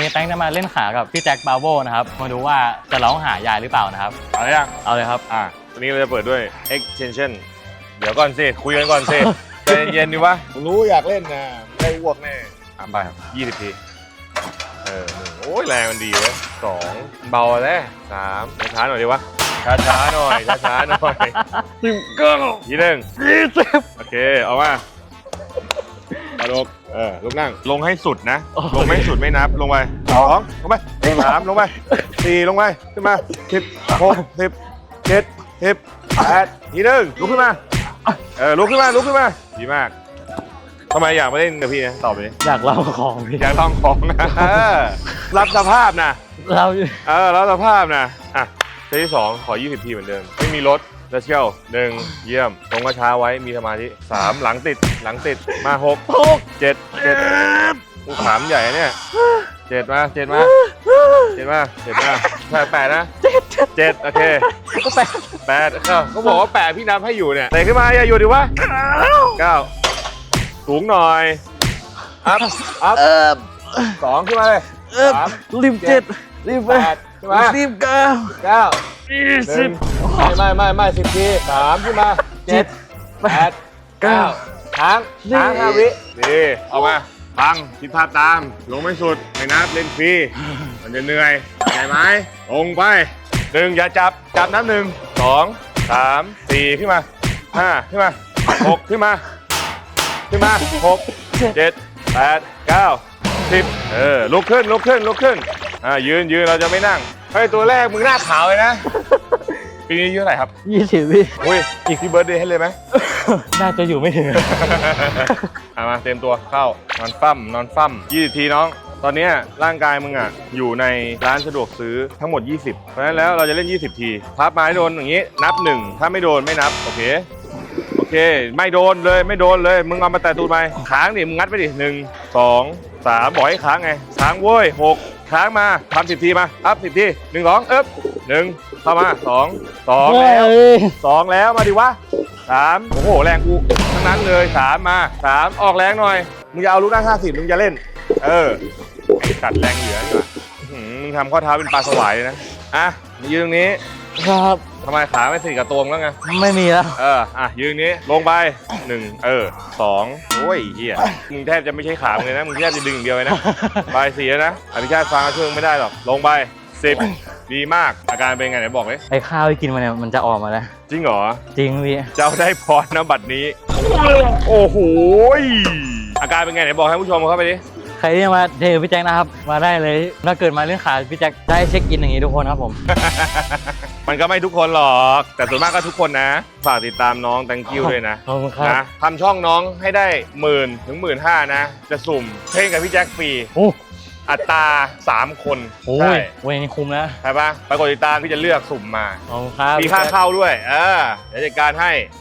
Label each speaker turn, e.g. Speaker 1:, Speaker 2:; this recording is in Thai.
Speaker 1: แป้งจะมาเล่นขากับพี่แจ็คบาโวนะครับมาดูว่าจะร้องหายายหรือเปล่านะครับ
Speaker 2: เอาเลยยัง
Speaker 1: เอาเลยครับ
Speaker 2: วันนี้เราจะเปิดด้วย extension เดี๋ยวก่อนสิคุยกันก่อนสิใจเย็นๆดิวะรู้อยากเล่นนะได้อ้วกแน่ไป20 ทีโอ้ยแรงมันดีเว้ย2เบาแล้ว3ช้าหน่อยดิวะช้าๆหน่อยช้าๆหน่อย19ทีหนึ่ง20โอเคเอามาลุกลุกนั่งลงให้สุดนะลงไม่สุดไม่นับลงไป2ลงไป3ลงไป4ลงไปขึ้นมา10 6 10 7 10 8ทีหนึ่งลุกขึ้นมาลุกขึ้นมาดีมากทำไมอยากมาเล่นกับพี่นะตอบไปดิ
Speaker 1: อยากเล่าของพี่
Speaker 2: อยากลองของนะรับสภาพนะรับสภาพนะเซตที่2ขอ20 ทีเหมือนเดิมไม่มีรถแล้วเชี่ยว1เยี่ยมตรงกระช้าไว้มีสมาธิ3หลังติดมา6 7ขามใหญ่เนี่ย7มา8นะ7โอเค8เขาบอกว่า8พี่นับให้อยู่เนี่ยเตะขึ้นมาอย่าอยู่ดิวะ9สูงหน่อยอัพ2ขึ้นมาเลย3
Speaker 1: รีบ7รีบ8
Speaker 2: ขึ้นมา
Speaker 1: รีบ9
Speaker 2: 20ไม่10 ที3ขึ้นมา7 8 9ค้าง5 วิดีเอามาฟังคิดภาพตามลงไม่สุดไม่นับเล่นฟรีมันจะเหนื่อยใช่ไหมลงไป1อย่าจับนับ1 2 3 4ขึ้นมา5ขึ้นมา6ขึ้นมา6 7 8 9 10ลุกขึ้นยืนเราจะไม่นั่งเฮ้ยตัวแรกมึงหน้าขาวเลยนะปีนี้อายุเท่าไหร่ครับ
Speaker 1: 20พี่
Speaker 2: อุ้ยอีกที่เบิร์ธเดย์ให้เลยไหม
Speaker 1: น่าจะอยู่ไม่ถึง
Speaker 2: มาเต็มตัวเข้านอนฟั่ม20 ทีน้องตอนนี้ร่างกายมึงอยู่ในร้านสะดวกซื้อทั้งหมด20เพราะฉะนั้นแล้วเราจะเล่น20 ทีพับไม้โดนอย่างนี้นับ1ถ้าไม่โดนไม่นับโอเคไม่โดนเลยมึงเอามาแต่ตูดไปค้างดิมึงงัดไปดิ1 2 3บอกให้ค้างไงค้างเว้ย6ค้างมาทำ10 ทีมาอัพ10 ที1 21เข้ามา2แล้วมาดิวะ3โอ้โหแรงกูทั้งนั้นเลย3มา3ออกแรงหน่อยมึงจะเอาลูกนั่ง50มึงจะเล่นกัดแรงเหลือดีกว่ามึงทำข้อเท้าเป็นปลาสวายเลยนะยืนตรงนี้
Speaker 1: ครับ
Speaker 2: ทำไมขาไม่ติดกับตัวมึงแล้วไง
Speaker 1: ไม่มีแล้ว
Speaker 2: ยืนนี้ลงไป1 2โอ้ยเหี้ยมึงแทบจะไม่ใช่ขามึงเลยนะมึงแทบจะดึงอย่างเดียวเลยนะไป4แล้วนะอภิชาติฟังช่วยไม่ได้หรอกลงไป10ดีมากอาการเป็นไงไหนบอกเลย
Speaker 1: ไอ้ข้าวที่กินมาเนี่ยมันจะออกมาแล้ว
Speaker 2: จริงเหรอ
Speaker 1: จริงพี่
Speaker 2: เจ้าได้พรนะบัดนี้โอ้โหอาการเป็นไงไหนบอกให้ผู้ชมเข้าไปดิ
Speaker 1: ใครที่มาเทพี่แจ็คนะครับมาได้เลยถ้าเกิดมาเล่นขาพี่แจ็คได้เช็คอินอย่างนี้ทุกคนครับผม
Speaker 2: มันก็ไม่ทุกคนหรอกแต่ส่วนมากก็ทุกคนนะฝากติดตามน้องThank youด้วยนะนะทำช่องน้องให้ได้10,000 ถึง 15,000นะจะสุ่มเพลงกับพี่แจ็คฟรีอัตรา3 คน
Speaker 1: ใช่เว้ยนี่คุ้มนะ
Speaker 2: ใช่ปะไปกดติดตามพี่จะเลือกสุ่มมา
Speaker 1: มี
Speaker 2: ค่าเข้าด้วยเดี๋ยวจัดการให้